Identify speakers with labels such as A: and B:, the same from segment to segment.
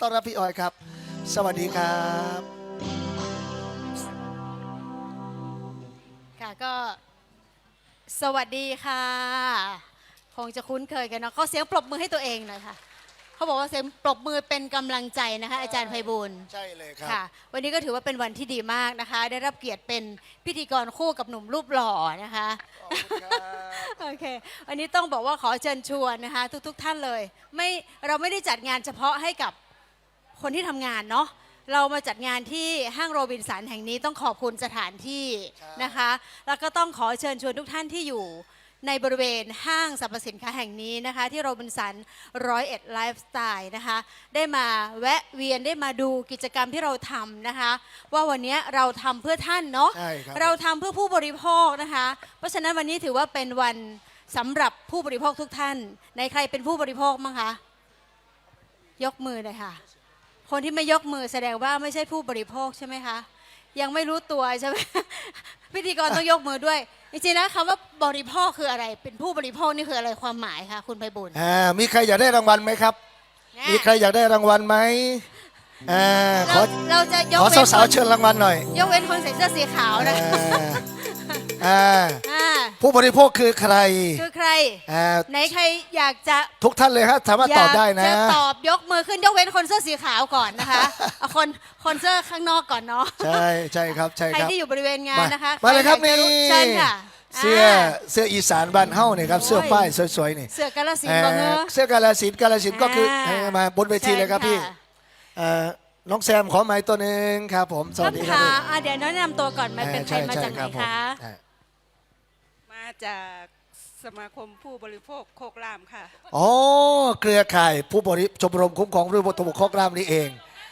A: ต้อนรับพี่ออยครับสวัสดีครับ
B: ค่ะก็สวัสดีค่ะคงจะคุ้นเคยกันเนาะเขาเสียงปรบมือให้ตัวเองหน่อยค่ะเขาบอกว่าเสียงปรบมือเป็นกำลังใจนะคะอาจารย์ไพบูลย์
A: ใช่เลยครับ
B: ค่ะวันนี้ก็ถือว่าเป็นวันที่ดีมากนะคะได้รับเกียรติเป็นพิธีกรคู่กับหนุ่มรูปหล่อนะคะ
A: ขอบคุณครับ
B: โอเควันนี้ต้องบอกว่าขอเชิญชวนนะคะทุกท่านเลยเราไม่ได้จัดงานเฉพาะให้กับคนที่ทำงานเนาะเรามาจัดงานที่ห้างโรบินสันแห่งนี้ต้องขอบคุณสถานที่นะคะแล้วก็ต้องขอเชิญชวนทุกท่านที่อยู่ในบริเวณห้างสรรพสินค้าแห่งนี้นะคะที่โรบินสัน101ไลฟ์สไตล์นะคะได้มาแวะเวียนได้มาดูกิจกรรมที่เราทำนะคะว่าวันนี้เราทำเพื่อท่านเนาะเราทำเพื่อผู้บริโภคนะคะเพราะฉะนั้นวันนี้ถือว่าเป็นวันสำหรับผู้บริโภคทุกท่านในใครเป็นผู้บริโภคมั้งคะยกมือเลยค่ะคนที่ไม่ยกมือแสดงว่าไม่ใช่ผู้บริโภคใช่ไหมคะยังไม่รู้ตัวใช่ไหม พิธีกรต้องยกมือด้วยจริงๆนะคำว่าบริโภคคืออะไรเป็นผู้บริโภคนี่คืออะไรความหมายคะคุณไพบุญ
A: มีใครอยากได้รางวัลไหมครับมีใครอยากได้รางวัลไหม
B: เราจะยก
A: ขอ
B: เว้น
A: สาวๆเชิญรางวัลหน่อย
B: ยกเว้นคนใส่เสื้อสีขาวนะ
A: ผู้บริโภคคือใคร
B: ไหนใครอยากจะ
A: ทุกท่านเลยครับสามารถตอบได้นะ
B: จะตอบยกมือขึ้นยกเว้นคนเสื้อสีขาวก่อนนะคะเอาคนเสื้อข้างนอกก่อนเนาะ
A: ใช่ครับใช่ครับ
B: ใครที่อยู่บริเวณงานนะคะ
A: มาเลยครับนี่
B: เชิญค่ะ
A: เสื้ออีสานบ้านเฮ้าเนี่ยครับเสื้อป้ายสวยๆนี่
B: เสื้อกาฬสินธุ์
A: เสื้อกาฬสินธุ์ก็คือมาบนเวทีเลยครับพี่น้องแซมขอไม้ตัวหนึ่งครับผมสวัสดีครับ
B: เดี๋ยวแนะนำตัวก่อนมาเป็นใครมาจากไหนคะ
C: มาจากสมาคมผู้บริโภคโคกรามค่ะ
A: อ๋อเครือข่ายผู้บริชมรมคุ้มครองผู้บริโภคโคกรามนี่เอง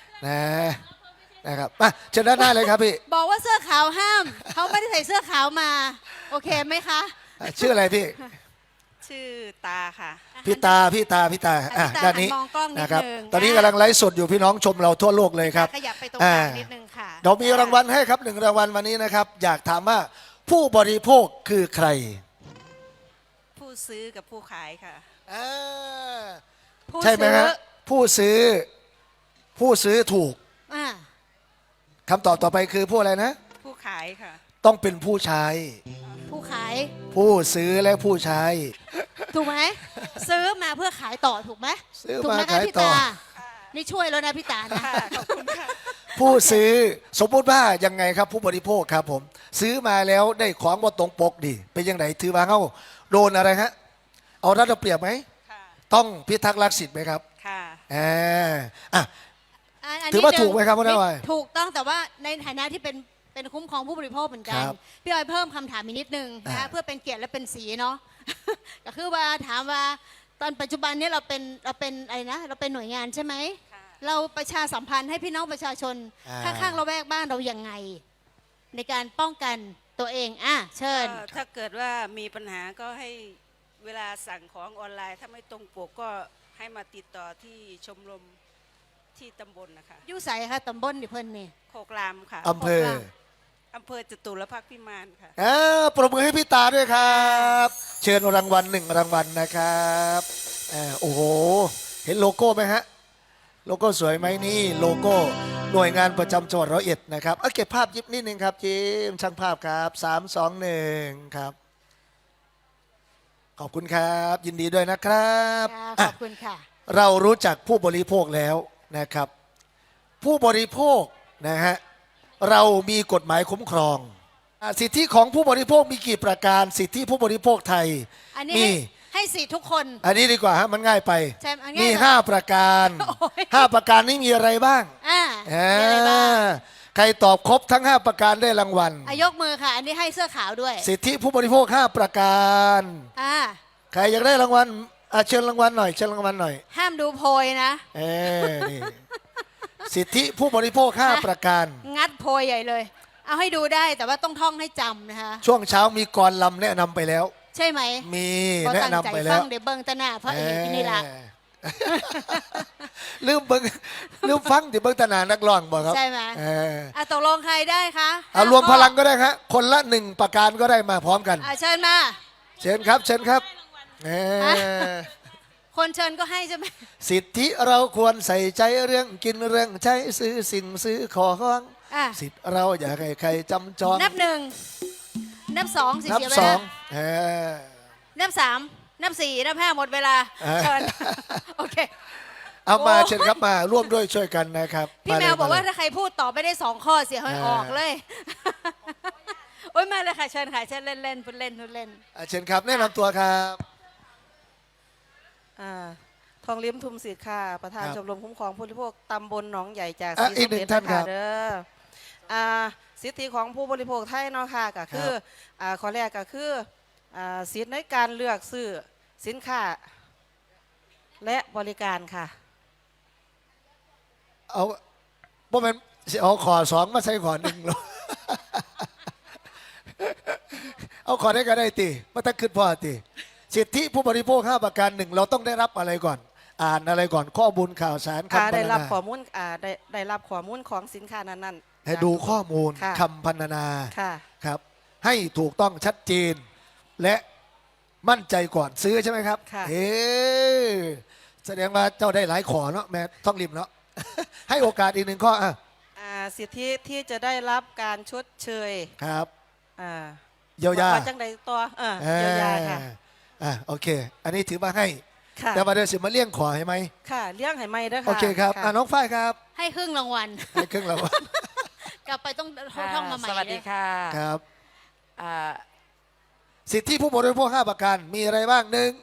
A: นะครับมาเชิญด้านหน้าเลยครับพี่
B: บอกว่าเสื้อขาวห้ามเขาไม่ได้ใส่เสื้อขาวมาโอเคไหมคะ
A: ชื่ออะไรพี่
C: ชื่อตาค่ะ
A: พี่ตาด้านนี้นะครับตอนนี้กำลังไลฟ์สดอยู่พี่น้องชมเราทั่วโลกเลยครับ
B: ขยับไปตรงกลางนิดนึงค่ะ
A: เรามีรางวัลให้ครับ1 รางวัลวันนี้นะครับอยากถามว่าผู้บริโภคคือใคร
C: ผู้ซื้อกับผู้ขายค่ะ
A: ใช่ไหมฮะผู้ซื้อถูกคำตอบต่อไปคือผู้อะไรนะ
C: ผู้ขายค่ะ
A: ต้องเป็นผู้ใช้
B: ผู้ขาย
A: ผู้ซื้อและผู้ใช้
B: ถูกไหมซื้อมาเพื่อขายต่อถูกไหม
A: ซื้อมาขายต่อ
B: นี่ช่วยแล้วนะพี่ตานะ
C: ขอบคุณค่ะ
A: ผู้ซื้อสมมติว่ายังไงครับผู้บริโภคครับผมซื้อมาแล้วได้ของว่าตรงปกดิเป็นยังไงถือว่าเขาโดนอะไรฮะเอารัดเอาเปรียบไหมต้องพิทักษ์รักสิทธิ์ไหมครับ
B: ค่ะ
A: ถือว่าถูกไหมครับพ่อหน่อย
B: ถูกต้องแต่ว่าในฐานะที่เป็นคุ้มครองผู้บริโภคเหมือนกันพี่ออยเพิ่มคำถามอีกนิดนึงนะเพื่อเป็นเกียรติและเป็นสีเนาะก็คือว่าถามว่าตอนปัจจุบันนี้เราเป็นอะไรนะเราเป็นหน่วยงานใช่ไหมเราประชาสัมพันธ์ให้พี่น้องประชาชนข้างๆระแวกบ้านเรายังไงในการป้องกันตัวเองเชิญ
C: ถ้าเกิดว่ามีปัญหาก็ให้เวลาสั่งของออนไลน์ถ้าไม่ตรงปกก็ให้มาติดต่อที่ชมรมที่ตำบลนะคะ
B: ยู่ใส่ค่ะตำบลดิเพิ่นนี่
C: โคกรามค่ะ
A: อำเภ
C: อจตุรพักษ์พิมานค่ะ
A: ปรบมือให้พี่ตาด้วยครับเชิญรางวัล1 รางวัลนะครับโอ้โหเห็นโลโก้ไหมฮะโลโก้สวยไหมนี่โลโก้หน่วยงานประจำจังหวัด101นะครับเก็บภาพยิบนิดนึงครับจิมช่างภาพครับ3 2 1ครับขอบคุณครับยินดีด้วยนะครับ
B: ขอบคุณค่ะ
A: เรารู้จักผู้บริโภคแล้วนะครับผู้บริโภคนะฮะเรามีกฎหมายคุ้มครองสิทธิของผู้บริโภคมีกี่ประการสิทธิผู้บริโภคไทย
B: นี่ให้สิทธิทุกคน
A: อันนี้ดีกว่าฮะมันง่ายไปมี5 ประการ5 ประการนี้มีอะไรบ้างใครตอบครบทั้ง5 ประการได้รางวัล
B: ยกมือค่ะอันนี้ให้เสื้อขาวด้วย
A: สิทธิผู้บริโภค5 ประการใครอยากได้รางวัลเชิญรางวัลหน่อย
B: ห้ามดูโพยนะ
A: นี่สิทธิผู้บริโภค5 ประการ
B: งัดโพยใหญ่เลยเอาให้ดูได้แต่ว่าต้องท่องให้จำนะคะ
A: ช่วงเช้ามีกรลำแนะนำไปแล้ว
B: ใช่ไหม
A: มีแนะนำไปแล้ว
B: เดี๋ยวเบิ้งตะหน้าพระเอกนี่ละ
A: ลืมฟังเดี๋ยวเบิ้งตะหน้านักร้องบอกครับ
B: ใช่ไหมตกลงใครได้คะ
A: รวมพลังก็ได้ครับคนละ1 ประการก็ได้มาพร้อมกัน
B: เชิญมา
A: เชิญครับ
B: คนเชิญก็ให้ใช่ไหม
A: สิทธิเราควรใส่ใจเรื่องกินเรื่องใช้ซื้อสิ่งซื้อของ
B: อ่ะ
A: สิทธิเราอย่าให้ใครจำจอง
B: นับหนึ่งนับสองสิ
A: นับ
B: เสียเว
A: สอ
B: ลาง นับสามนับสี่นับห้าหมดเวลา เชิญ โอเค
A: เอามา
B: โอ้
A: เชิญครับมาร่วมด้วยช่วยกันนะครับ
B: พี่แมวบอกว่า
A: เลย
B: ถ้าใครพูดต่อไม่ได้สองข้อเสียให้ออกเลย โอ้ยมาเลยค่ะเชิญค่ะเชิญเล่นเล่นพูดเล่นพูดเล่น
A: เชิญครับแนะนำตัวครับ
D: ทองลิ้มทุมศิษย์ค่ะ ประธาน
A: ครับ
D: ชมรมคุ้มครองผู้บริโภคตำบลหนองใหญ่จาก
A: อ่ะ
D: ศรี
A: อี
D: สะ
A: กหนึ่
D: เก
A: ง
D: ษ
A: ท่านครับ
D: เด้อสิทธิของผู้บริโภคไทยเนาะค่ะก็คือข้อแรกก็คือสิทธิในการเลือกซื้อสินค้าและบริการค่ะ
A: เอาพวกมันสิเอาขอสองมาใส่ขอหนึ่งหรอ เอาขอได้ก็ได้ตีมาตั้งขึ้นพ่อตีสิทธิผู้บริโภค5ประการหนึ่งเราต้องได้รับอะไรก่อน อ่านอะไรก่อนข้อมูลข่าวสารคำพรรณนา
D: ได้รับข้อมูลได้รับข้อมูลของสินค้านั้นๆ
A: ให้ดูข้อมูล
D: ค่ะ
A: คำพรรณนา
D: ค่ะ
A: ครับ ให้ถูกต้องชัดเจน และมั่นใจก่อนซื้อใช่ไหมครับ
D: ค่ะ
A: เอ๊แสดงว่าเจ้าได้หลายขอเนาะแม่ต้องริมเนาะ ให้โอกาสอีกหนึ่งข้ออ่ะ
D: สิทธิที่จะได้รับการชดเชย
A: ครับ
D: อ่า
A: เยียวยา
D: ว่าจังใดตัวเยียวยาค่ะ
A: โอเค อันนี้ถือมาให้
D: ค่ะ
A: แต่มาเดินสิมาเลี่ยงขอให้ไหม
D: ค่ะเลี้ยงให้ไม่ด้วยค่ะ
A: โอเคครับ
D: ะ
A: น้องฝ้ายครับ
B: ให้ครึ่งรางวัล
A: ให้ครึ่งรางวัล
B: กลับไปต้องท่องมาใหม่
E: สวัสดีค่ะ
A: ครับ
E: อ่า
A: สิทธิผู้บริโภค5ประการมีอะไรบ้างหนึ่ง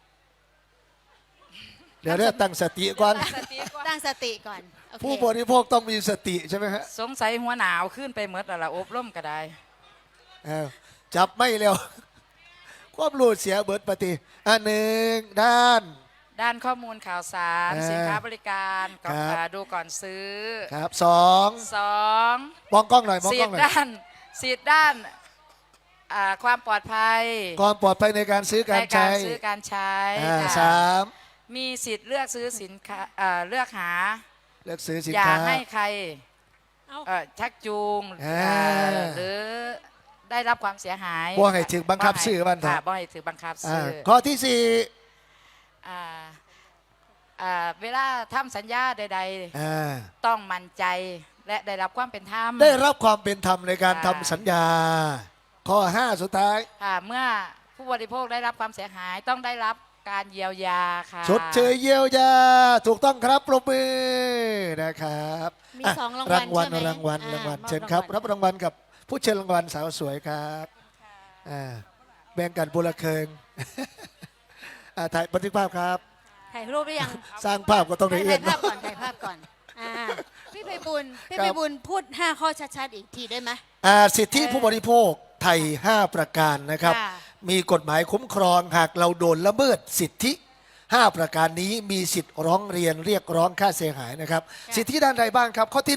A: เดี๋ยวเรียกตั้งสติก่อน
B: ตั้งสติก่อนโอเค
A: ผู้บริโภคต้องมีสติใช่ไหมฮะ
E: สงสัยหัวหนาวขึ้นไปเมดแล้วล่ะอบรมก็ได้
A: จับไม่เร็ว ความรู้เสียเบิดปฏิอันหนึ่งด้าน
E: ด้านข้อมูลข่าวสาร สินค้าบริการก่อน
A: ครับ
E: ดูก่อนซื้อ
A: ครับสอง
E: สอง
A: มองกล้องหน่อยมอง
E: สิ
A: กล้
E: ท
A: องห
E: ธิ์
A: น่อย
E: ด้านความปลอดภัย
A: ความปลอดภัยในการซื้อการ
E: ใน
A: ใช้
E: ซื้อการใช้ ค่ะ
A: สาม
E: มีสิทธิ์เลือกซื้อสินค้าเลือกหา
A: เลือกซื้อสิน
E: อย่า
A: ค้า
E: ให้ใคร
B: เอา
E: ชักจูง
A: อ่า
E: หรือได้รับความเสียหาย
A: บ่ให้ถึงบังคับซื้อบ้านเถอะ
E: ค่ะบ่ให้ถือบังคับซื้อ
A: ข้อที่สี่
E: อ่าเวลาทำสัญญาใด
A: อ่า
E: ๆ ต้องมั่นใจและได้รับความเป็นธรรม
A: ได้รับความเป็นธรรมในการ
E: ค่ะ
A: ทำสัญญา ข้อ 5 สุดท้าย
E: ค่ะเมื่อผู้บริโภคได้รับความเสียหายต้องได้รับการเยียวยาค่ะ
A: ชดเชยเยียวยา ถูกต้องครับปรบมือนะครับ
B: มี
A: อ่ะ
B: สองราง
A: รา
B: วัล
A: งวัล
B: ใช่ไหม
A: รางวัล
B: อ่
A: รางวัล
B: มอบ
A: เชิญครับ
B: างวัล
A: รับรางวัลกับผู้เชิญรางวัลสาวสวยครับแบ่งกันบุรเคิง ถ่ายบันทึกภาพครับ
B: ถ่ายรูปหรือยัง
A: สร้างภาพก็ต้องละเอีย
B: ถ่า
A: ด
B: ยภาพ
A: เนาะ
B: ก่อนถ่ายภาพก่อนพี่ไพบุญพี่
A: ครับ
B: ไพบุญพูด 5 ข้อชัดๆอีกทีได้ไหม
A: สิทธิผู้บริโภคไทย 5 ประการนะครับ
B: ค่ะ
A: มีกฎหมายคุ้มครองหากเราโดนละเมิดสิทธิ 5 ประการนี้มีสิทธิ์ร้องเรียนเรียกร้องค่าเสียหายนะครับ สิทธิด้านใดบ้างครับ ข้อที่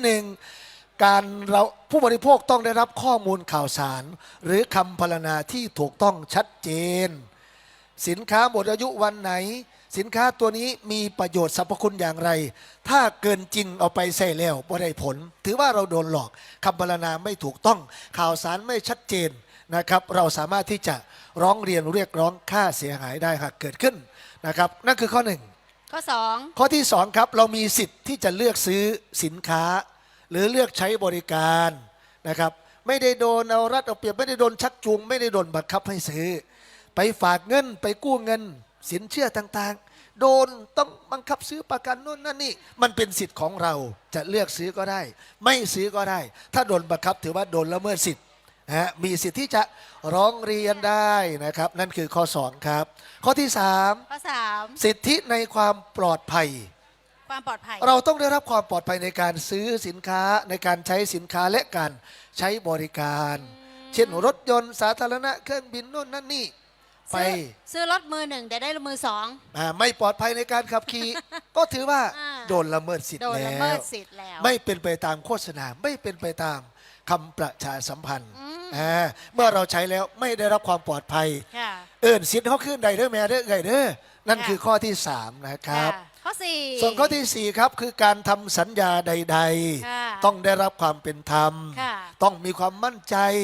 A: 1 การเราผู้บริโภคต้องได้รับข้อมูลข่าวสาร หรือคำพรรณนาที่ถูกต้องชัดเจน สินค้าหมดอายุวันไหน สินค้าตัวนี้มีประโยชน์สรรพคุณอย่างไร ถ้าเกินจริงเอาไปใส่แล้วบ่ได้ผล ถือว่าเราโดนหลอกคำพรรณนาไม่ถูกต้องข่าวสารไม่ชัดเจนนะครับ เราสามารถที่จะร้องเรียนเรียกร้องค่าเสียหายได้หากเกิดขึ้นนะครับนั่นคือข้อ 1
B: ข้อ
A: ข้อที่ 2 ครับเรามีสิทธิ์ที่จะเลือกซื้อสินค้า หรือเลือกใช้บริการนะครับไม่ได้โดนเอารัดเอาเปรียบไม่ได้โดนชักจูง ไม่ได้โดนบังคับให้ซื้อ ไปฝากเงินไปกู้เงิน สินเชื่อต่างๆ โดนต้องบังคับซื้อประกันนู่นนั่นนี่มันเป็นสิทธิ์ของเราจะเลือกซื้อก็ได้ ไม่ซื้อก็ได้ ถ้าโดนบังคับถือว่าโดนละเมิดสิทธิ์นะฮะมีสิทธิ์ที่จะร้องเรียนได้นะครับนั่นคือข้อ 2 ครับ ข้อที่ 3
B: 2 ข้อ
A: สิทธิในความปลอดภัย
B: 3 ความปลอดภัย
A: เราต้องได้รับความปลอดภัยในการซื้อสินค้าในการใช้สินค้าและการใช้บริการ เช่นรถยนต์สาธารณะเครื่องบินนู่นนั่นนี่ไป
B: ซื้อรถมือ 1 แต่ได้มือ 2
A: ไม่ปลอดภัยในการขับขี่ ก็ถือว่า
B: อ่า
A: โดนละเมิดสิทธิ์
B: โดน
A: แล้
B: ละเมิ
A: ว
B: ดสิทธิ์แล้ว
A: ไม่เป็นไปตามโฆษณาไม่เป็นไปตามคำประชาสัมพันธ์เมื่อเราใช้แล้วไม่ได้รับความปลอดภัย
B: ค่ะ
A: สิทธิ์เขาขึ้นใดเด้อแม่เด้อไงเด้อนั่น
B: ค่ะ
A: คือข้อที่ 3 นะครับ
B: ค่ะข้อ 4
A: ส่วนข้อที่ 4 ครับคือการทำสัญญาใด
B: ค่ะ
A: ๆ ต้องได้รับความเป็นธรรม
B: ค่ะ
A: ต้องมีความมั่นใจ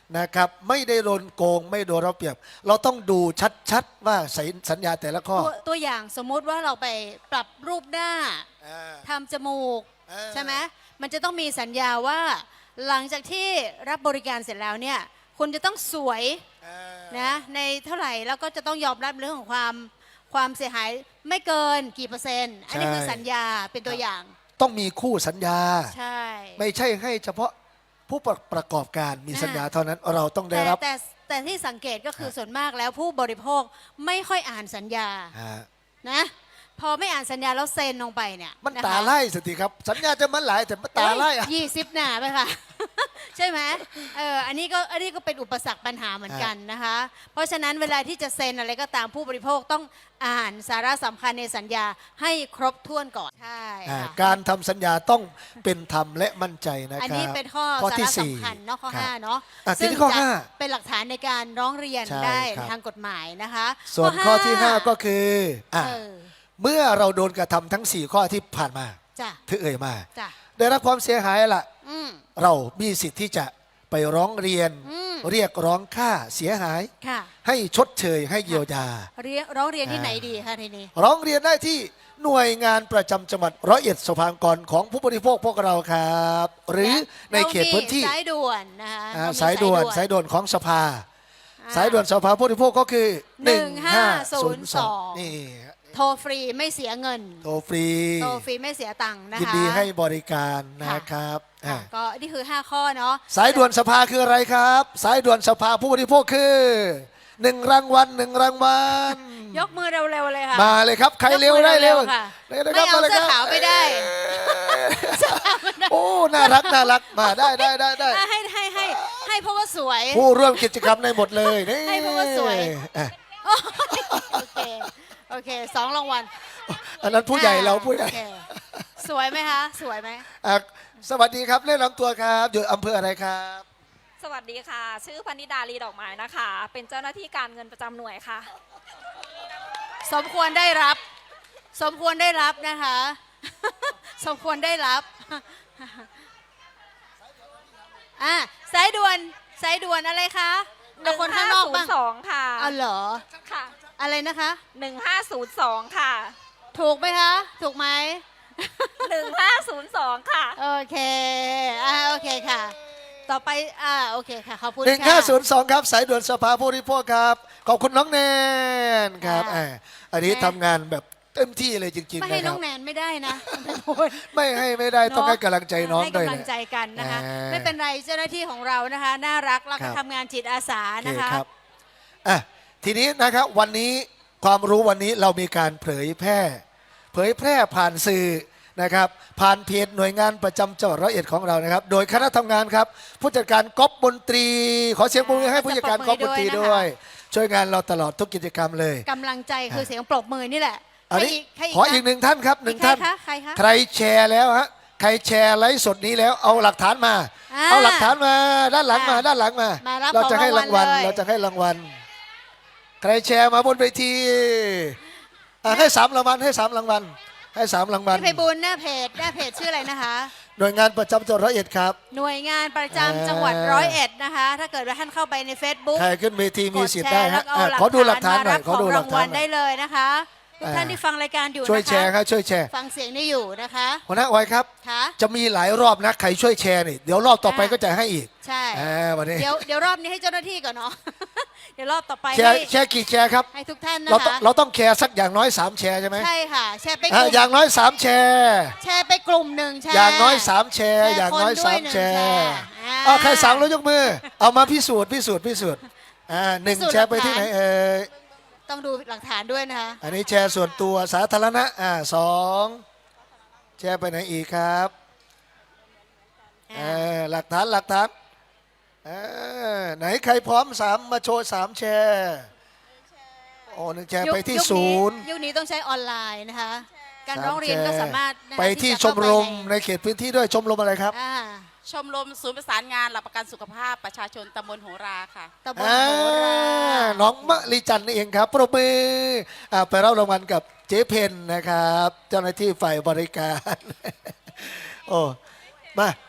A: นะครับไม่ได้โดนโกงไม่โดนเราเปรียบ เราต้องดูชัดๆว่าสัญญาแต่ละข้อ
B: ตัวอย่างสมมุติว่าเราไปปรับรูปหน้า
A: อ่า
B: ทำจมูก
A: อ่า
B: ใช่ไหมมันจะต้องมีสัญญาว่า หลังจากที่รับบริการเสร็จแล้วเนี่ยคุณจะต้องสวย
A: อ่า
B: นะในเท่าไหร่แล้วก็จะต้องยอมรับเรื่องของความเสียหายไม่เกินกี่เปอร์เซ็นต์อันนี้คือสัญญาเป็นตัวอย่าง
A: ต้องมีคู่สัญญา
B: ใช่
A: ไม่ใช่ให้เฉพาะผู้ประกอบการมี
B: อ่า
A: สัญญาเท่านั้นเราต้องได้
B: แต่
A: รับ
B: แต่ที่สังเกตก็คือส่วนมากแล้วผู้บริโภคไม่ค่อยอ่านสัญญา
A: อ่า
B: นะพอไม่อ่านสัญญาแล้วเซ็นลงไปเนี่ย
A: มัน
B: นะคะ
A: ตาไล่สติครับ สัญญาจะมันหลายแต่มันตาไล่อะ
B: 20 หนาไปค่ะ ใช่ไหมอันนี้ก็เป็นอุปสรรคปัญหาเหมือนกันนะคะ เพราะฉะนั้นเวลาที่จะเซ็นอะไรก็ตามผู้บริโภคต้องอ่านสาระสำคัญในสัญญาให้ครบถ้วนก่อนใช่
A: อ่า
B: ค่ะ
A: การทำสัญญาต้องเป็นธรรมและมั่นใจนะครับ
B: อันนี้เป็นข้อสา
A: ที่
B: ระ
A: สี่
B: สำคัญเนาะข้อ
A: ครับ
B: 5เนาะ
A: อ่ะที
B: ซึ่ง
A: นี้ข้อ
B: จะ
A: ห้า
B: เป็นหลักฐานในการร้องเรียน
A: ใช่
B: ได้
A: ครับ
B: ทางกฎหมายนะคะ
A: ส่วนข้อที่ห้าก็คืออ่ะ
B: เออ
A: เมื่อเราโดนกระทำทั้ง 4 ข้อที่ผ่านมา
B: จ้ะ
A: ที่เอ่ยมา
B: จ้ะ
A: ได้รับความเสียหายล่ะ
B: อืม
A: เรามีสิทธิ์ที่จะไปร้องเรียน
B: อืม
A: เรียกร้องค่าเสียหาย
B: ค่ะ
A: ให้ชดเชยให้เยียวยา
B: ร้องเรียนที่ไหนดีคะทีนี้
A: ร้องเรียนได้ที่หน่วยงานประจำจังหวัดร้อยเอ็ดสภากรของผู้บริโภคพวกเราครับ หรือในเขตพื้นที่
B: สายด่วนนะคะ
A: อ่า
B: เรมี
A: สายด่วนของสภา สายด่วนสภาผู้บริโภคก็คือ
B: 1502
A: นี่
B: โทรฟรีไม่เสียเงิน
A: โทรฟรี
B: โทรฟรีไม่เสียตังค์นะคะ
A: ยินดีให้บริการนะครับอ่า
B: ก็นี่คือ 5 ข้อเนาะ
A: สายด่วนสภาคืออะไรครับ สายด่วนสภาผู้บริโภคคือ1 รางวัล1 รางวัล
B: ยกมือเร็วๆเลยค่ะ
A: มาเลยครับ ใครเร็วได้เร็ว
B: ค่ะ
A: เลยนะ
B: ไม่
A: ครับ
B: เอา
A: ลย
B: เสื้
A: ค
B: อ
A: รับ
B: ขาวไม่ได้
A: โอ้ น่ารักมาได้
B: ให้เพราะว่าสวย
A: ผู้ร่วมกิจกรรมในหมดเลยนี่
B: ให้เพราะว่าสวย
A: อ่ะ
B: โอเค2 รางวัล
A: อันนั้นผู้ใหญ่เราผู้ใหญ่
B: โอเคสวยไหมคะสวยไหม
A: อ่ะสวัสดีครับเล่นลำตัวครับอยู่อำเภออะไรครับ
F: สวัสดีค่ะ ชื่อพนิดาลีดอกไม้นะคะ เป็นเจ้าหน้าที่การเงินประจำหน่วยค่ะ
B: สมควรได้รับ สมควรได้รับนะคะ สมควรได้รับอ่ะสายด่วนอะไรคะเอาคนข้างนอกบ้าง
F: 1502 ค่ะ
B: เอาเหรอ
F: ค่ะ
B: อะไรนะคะ
F: 1502 ค่ะ
B: ถูกไหมคะ ถูกไหม
F: 1502 ค่ะ
B: โอเคโอเคค่ะ ต่อไปโอเคค่ะ ขอบคุณค่ะ
A: 1502ครับสายด่วนสภาผู้บริโภคครับขอบคุณน้องแนนครับ
B: ค่ะ
A: อันนี้
B: แนน
A: ทำงานแบบเต็มที่เลยจริง
B: ไม่
A: ๆ
B: ให้
A: นะค
B: น้
A: รั
B: อบ งแนนไม่ได้นะ
A: ไม่ให้ไม่ได้ต้องให้กำลังใจน้อง
B: ให้
A: ด้วย
B: กำลั
A: นะ
B: งใจกันนะคะ
A: อ่า
B: ไม่เป็นไรเจ้าหน้าที่ของเรานะคะ น่ารักแล้ว
A: ครั
B: ก็
A: บ
B: ทำงานจิตอาสา
A: โอเค
B: นะคะ
A: ครับอ่ะทีนี้นะครับวันนี้ความรู้วันนี้เรามีการเผยแพร่ผ่านสื่อนะครับ ผ่านเพจหน่วยงานประจำจังหวัดร้อยเอ็ดของเรานะครับ โดยคณะทำงานครับ ผู้จัดการก๊อฟมนตรี ขอเสียงปรบมือให้ผู้จัดการก๊อฟมนตรีด้วย ช่วยงานเราตลอดทุกกิจกรรมเลย
B: กำลังใจคือเสียงปรบมือนี่แหละ
A: อันนี้
B: ใคร
A: ขออีกหนึ่งท่านครับหนึ่งท่าน
B: ใครคะ
A: ใครแชร์แล้วฮะใครแชร์ไลฟ์สดนี้แล้วเอาหลักฐานมา
B: อ่า
A: เอาหลักฐานมาด้านหลังมา
B: อ่า
A: ด้านหลังมา
B: มารับ
A: เราจะให้
B: ของราร
A: าง ง
B: วั
A: วั
B: ล
A: ล
B: เลย
A: เราจะให้รางวัลใครแชร์มาบนเวทีให้3 รางวัลให้3 รางวัลให้3 รางวัล
B: พี่ไพบูลย์หน้าเพจชื่ออะไรนะคะ
A: หน่วยงานประจำจังหวัดร้อยเอ็ดครับ
B: หน่วยงานประจำจังหวัดร้อยเอ็ดนะคะ ถ้าเกิดว่าท่านเข้าไปใน Facebook
A: ใครขึ้นเวทีมีสิทธิ์ได้
B: ก
A: ฮะ
B: แชร์แล้วก็
A: ขอดูหลักฐานหน่อย
B: ม
A: ขอดู
B: รับ
A: หลัก
B: ของ
A: ฐาร
B: าน งวัล
A: หน่
B: ได้
A: อย
B: เลยนะคะทุกท่าน
A: อ่า
B: ที่ฟังรายการอยู่
A: ช่วย
B: นะคะ
A: แชร์ครับช่วยแชร์
B: ฟังเสียงนี่อยู่นะคะ
A: หัวหน้าออยครับ
B: ค่ะ
A: จะมีหลายรอบนะใครช่วยแชร์นี่เดี๋ยวรอบต่อไปก็จะให้อีก
B: ใช่
A: วันนี้
B: เดี๋ยวรอบนี้ให้เจ้าหน้าที่ก่อนเนาะ เดี๋ยวรอบต่อไป
A: แชร์
B: ให้
A: แชร์กี่แชร์ครับ
B: ให้ทุกท่านนะ
A: เราต้อง
B: คะ
A: เราต้องแชร์สักอย่างน้อย3แชร์ใช่ไหม
B: ใช่ค่ะ แชร์ไปก
A: อ่ะ
B: ลุ่ม
A: อย่างน้อย3แชร์
B: แชร์ไปกลุ่มหนึ่งแชร์
A: อย่างน้อย3แชร์
B: แชร์
A: อย่างน้อย
B: คนด้วย
A: 3แช
B: 1แชร์
A: ร์
B: อ่า
A: เอาใคร3แล้วยกมือ เอามาพิสูจน์หนึ่ง
B: พิสูจน์
A: แชร์ไปที่ไหน
B: หลักฐาน ต้องดูหลักฐานด้วยนะคะ
A: อันนี้แชร์ส่วนตัวสาธารณะ2แชร์ไปไหนอีกครับหลักฐานไหนใครพร้อม3มาโชว์3แชร์โอ้1แชร์ไปที่
B: ยุคนี้ต้องใช้ออนไลน์นะคะ การ
A: 3
B: ร้องเรียนก็สามารถนะคะ
A: ไปที่
B: จะ
A: ช
B: เข้าม
A: รม
B: ไป
A: ในเขตพื้นที่ด้วยชมรมอะไรครับ
B: อ่า
E: ชมรมศูนย์ประสานงานหลักประกันสุขภาพประชาชนตำบลโหราค่ะ
B: ตำบลโหรา
A: น้องมะลิจันทร์นี่เองครับปรบมือไปรับรางวัลกับเจ๊เพนนะครับ เจ้าหน้าที่ฝ่ายบริการ โอ้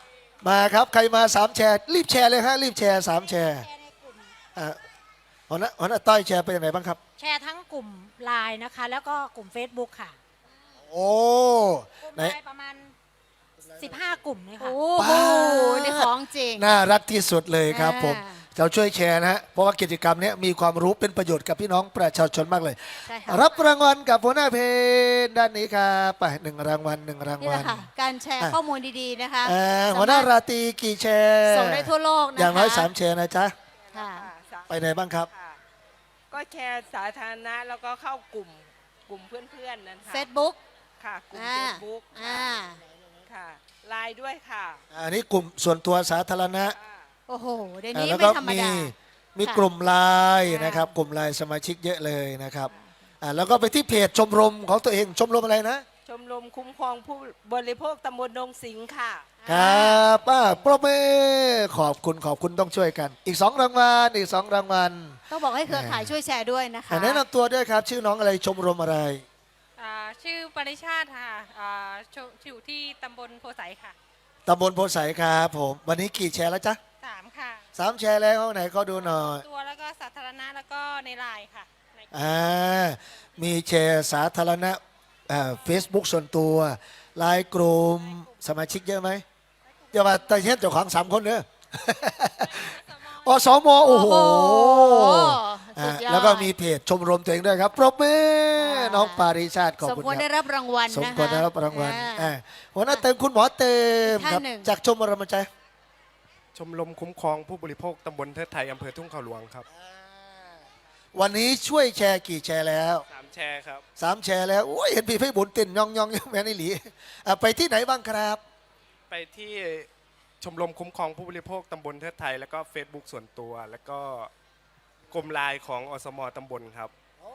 A: มาครับใครมา3แชร์รีบแชร์เลยฮะรีบแชร์3แชร์อ่าหัวหน้าต้อยแชร์ไปยังไงบ้างครับ
G: แชร์ทั้งกลุ่มไลน์นะคะ แล้วก็กลุ่ม Facebook ค่ะ
A: โอ้
G: กลุ่ม
A: ไหน
G: ไลน์ประมาณ 15 กลุ่มเลยค่ะ
B: โอ้โหนี่ของจริง
A: น่ารักที่สุดเลยครับ
B: อ่า
A: ผมเราช่วยแชร์นะฮะเพราะว่ากิจกรรมเนี้ยมีความรู้เป็นประโยชน์กับพี่น้องประชาชนมากเลย
B: ใช่ค่ะ
A: รับรางวัลกับหัวหน้าเพจด้านนี้ครับไป1 รางวัล1 ราง
B: นี่
A: วั
B: แห
A: ล
B: ละค่ะ การแชร์ข้อมูลดีๆนะคะ
A: หัวหน้า
B: สมรถ
A: ราตรีกี่แชร์
B: ส่งได้ทั่วโลกนะคะ
A: อย่างน้อย3แชร์นะจ๊ะ
B: ค่ะ
A: ไปไหนบ้างครับ
C: ค่ะก็แชร์สาธารณะแล้วก็เข้ากลุ่มเพื่อนๆนั่นค่ะ
B: Facebook
C: ค่ะกลุ่ม
B: อ่า
C: เฟซบุ๊ก
B: อ่า
C: ค่ะไลน์ด้วยค่ะ
A: อันนี้กลุ่มส่วนตัวสาธารณะ
B: โอ้โหเดี๋ยวนี้
A: แล้ว
B: ไม่
A: ก็
B: ธรรม
A: มี
B: ดา
A: มี
B: ค่ะ
A: กลุ่มไลน์นะครับ กลุ่มไลน์สมาชิกเยอะเลยนะครับแล้วก็ไปที่เพจชมรมของตัวเองชมรมอะไรนะ
C: ชมรมคุ้มครองผู้บริโภคตำบลดงสิงห์ค่ะ
A: ครับปรบมือขอบคุณต้องช่วยกัน อีก2 รางวัลอีก2 รางวัล
B: ต้องบอกให้เครือข่ายช่วยแชร์ด้วยนะคะ
A: แนะนำตัวด้วยครับ ชื่อน้องอะไรชมรมอะไร
H: ชื่อปริชาติค่ะอยู่ที่ตำบลโพไสค่ะ
A: ตำบลโพไสครับผมวันนี้กี่แชร์แล้วจ๊ะ
H: 3 ค่ะ
A: 3 แชร์แล้วไหนก็ดูหน่อย
H: ตัวแล้วก็สาธารณะแล้วก็ในไลน์ค่ะใน
A: มีแชร์สาธารณะเฟซบุ๊กส่วนตัวไลน์กลุ่มสมาชิกเยอะไหมอย่ามาแต่เช่นเจ้าของ3 คนเนอะ อสมโอ้โห
B: สุดยอด
A: แล้วก็มีเพจชมรมตัวเองด้วยครับปรบมือน้องปาริชาติขอบ
B: สม
A: คุณ
B: ควร
A: ค
B: ได้
A: รับ
B: รับรางวัล
A: สม
B: นะคะ
A: ควรได้รับรางวัล
B: อ่า
A: หัวหน้าเติมคุณหมอเติม
B: อีก
A: ครับ
B: ท่านหนึ่ง
A: จากชมรมใจ
I: ชมรมคุ้มครองผู้บริโภคตำบลเทิดไทยอำเภอทุ่งเขาหลวงครับ
A: วันนี้ช่วยแชร์กี่แชร์แล้ว
I: 3 แชร์ครับ
A: 3 แชร์แล้วโอ้ยเห็นพี่ไพบุญติ่นยองแม่นี่หลีไปที่ไหนบ้างครับ
I: ไปที่ชมรมคุ้มครองผู้บริโภคตำบลเทิดไทย แล้วก็ Facebook ส่วนตัว แล้วก็กลุ่มไลน์ของอสมตำบลครับ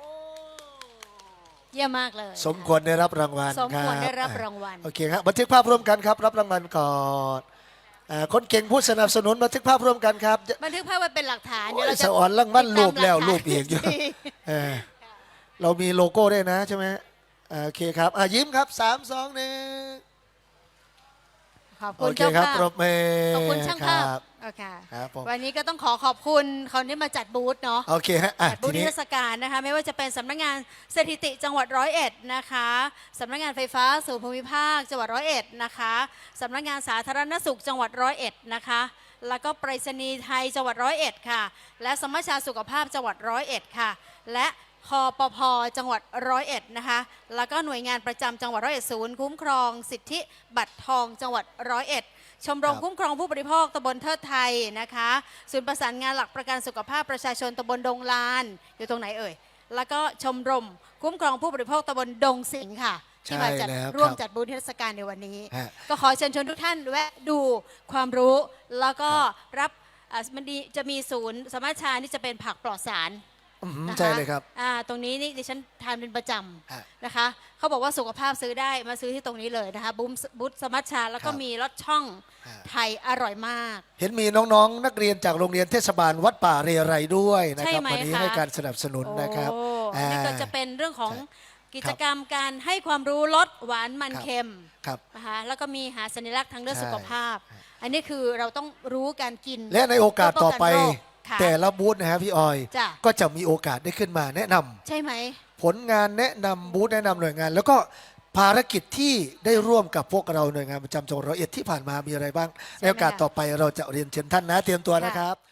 B: เยี่ยมมากเลย
A: สมควรได้รับรางวัล
B: สมควรได้รับ
A: คบ
B: รางวัล
A: โอเคครับบันทึกภาพร่วมกันครับ รับรางวัลก่อนคนเก่งผู้สนับสนุนบันทึกภาพร่วมกันครับ
B: บันทึกภาพไว้เป็นหลักฐาน
A: โอ้ย
B: เดี๋ยวเราจะ
A: สะอ่อนรางวัลรูปแล้ว
B: ติดตามห
A: รู
B: ลั
A: ป
B: กฐาน
A: อีกอยู่เออเรามีโลโก้ด้วยนะใช่ไหมโอเคครับยิ้มครับ3 2 1
B: ขอบ
A: โอ
B: คุณ
A: เค
B: เจ้า
A: ครับ
B: ภาพ
A: ปรบมือ
B: ขอบคุณช่างภาพ
A: ครับ
B: โอเค
A: ครับผม
B: วันนี้ก็ต้องขอบคุณคนที่มาจัดบูธเนาะ
A: โอเคฮะ
B: จัดบู
A: ที
B: ธนิ
A: นี้
B: ทรรศการนะคะไม่ว่าจะเป็นสำนักงานสถิติจังหวัด101นะคะสำนักงานไฟฟ้าส่วนภูมิภาคจังหวัด101นะคะสำนักงานสาธารณสุขจังหวัด101นะคะแล้วก็ไปรษณีย์ไทยจังหวัด101ค่ะและสมัชชาสุขภาพจังหวัด101ค่ะและคปพจังหวัด101นะคะแล้วก็หน่วยงานประจำจังหวัด101ศูนย์คุ้มครองสิทธิบัตรทองจังหวัด101ชมรมคุ้มครองผู้บริโภคตำบลเทิดไทยนะคะศูนย์ประสานงานหลักประกันสุขภาพประชาชนตำบลดงลานอยู่ตรงไหนเอ่ยแล้วก็ชมรมคุ้มครองผู้บริโภคตำบลดงสิงห์ค่ะที่มาจัด
A: ใช่แล้ว
B: ร่วม
A: ครับ
B: จัดบูธนิทรรศการในวันนี้
A: ฮะ
B: ก็ขอเชิญชวนทุกท่านแวะดูความรู้แล้วก็รับมันดีจะมีศูนย์สมัชชานี่จะเป็นผักปลอดสาร นะคะ
A: ใช่เลยครับ
B: ตรงนี้นี่ดิฉันทานเป็นประจ
A: ฮะ
B: ำนะคะเขาบอกว่าสุขภาพซื้อได้มาซื้อที่ตรงนี้เลยนะคะบูธสมัชชาแล้วก็
A: ครับ
B: มีรสช่อง
A: ฮะ
B: ไทยอร่อยมาก
A: เห็นมีน้องๆ นักเรียนจากโรงเรียนเทศบาลวัดป่าเรไรด้วยนะ
B: ใช่
A: ครับ
B: ไหม
A: วันนี้
B: คะ
A: ให้การสนับสนุนนะครับ
B: โอ้นี่ก็จะเป็นเรื่องของ
A: ใช่
B: กิจกรรมการให้ความรู้ลดหวานมัน
A: ครับ
B: เค็ม
A: ครับ
B: นะคะแล้วก็มีหาสัญลักษณ์ทางเรื่อง
A: ใช่
B: สุขภาพ อันนี้คือเราต้องรู้การกิน
A: และในโอกาสต่อไป
B: เพื่อป้องกันโรคค่ะ
A: แต่ละบูธนะฮะพี่ออย
B: จ้ะ
A: ก็จะมีโอกาสได้ขึ้นมาแนะนำ
B: ใช่ไหม
A: ผลงานแนะนำบูธแนะนำหน่วยงาน แล้วก็ภารกิจที่ได้ร่วมกับพวกเราหน่วยงานประจำจังหวัด101ที่ผ่านมามีอะไรบ้าง ในโอกาสต่อไปเราจะเรียนเชิญท่านนะเตรียมตัวนะครับ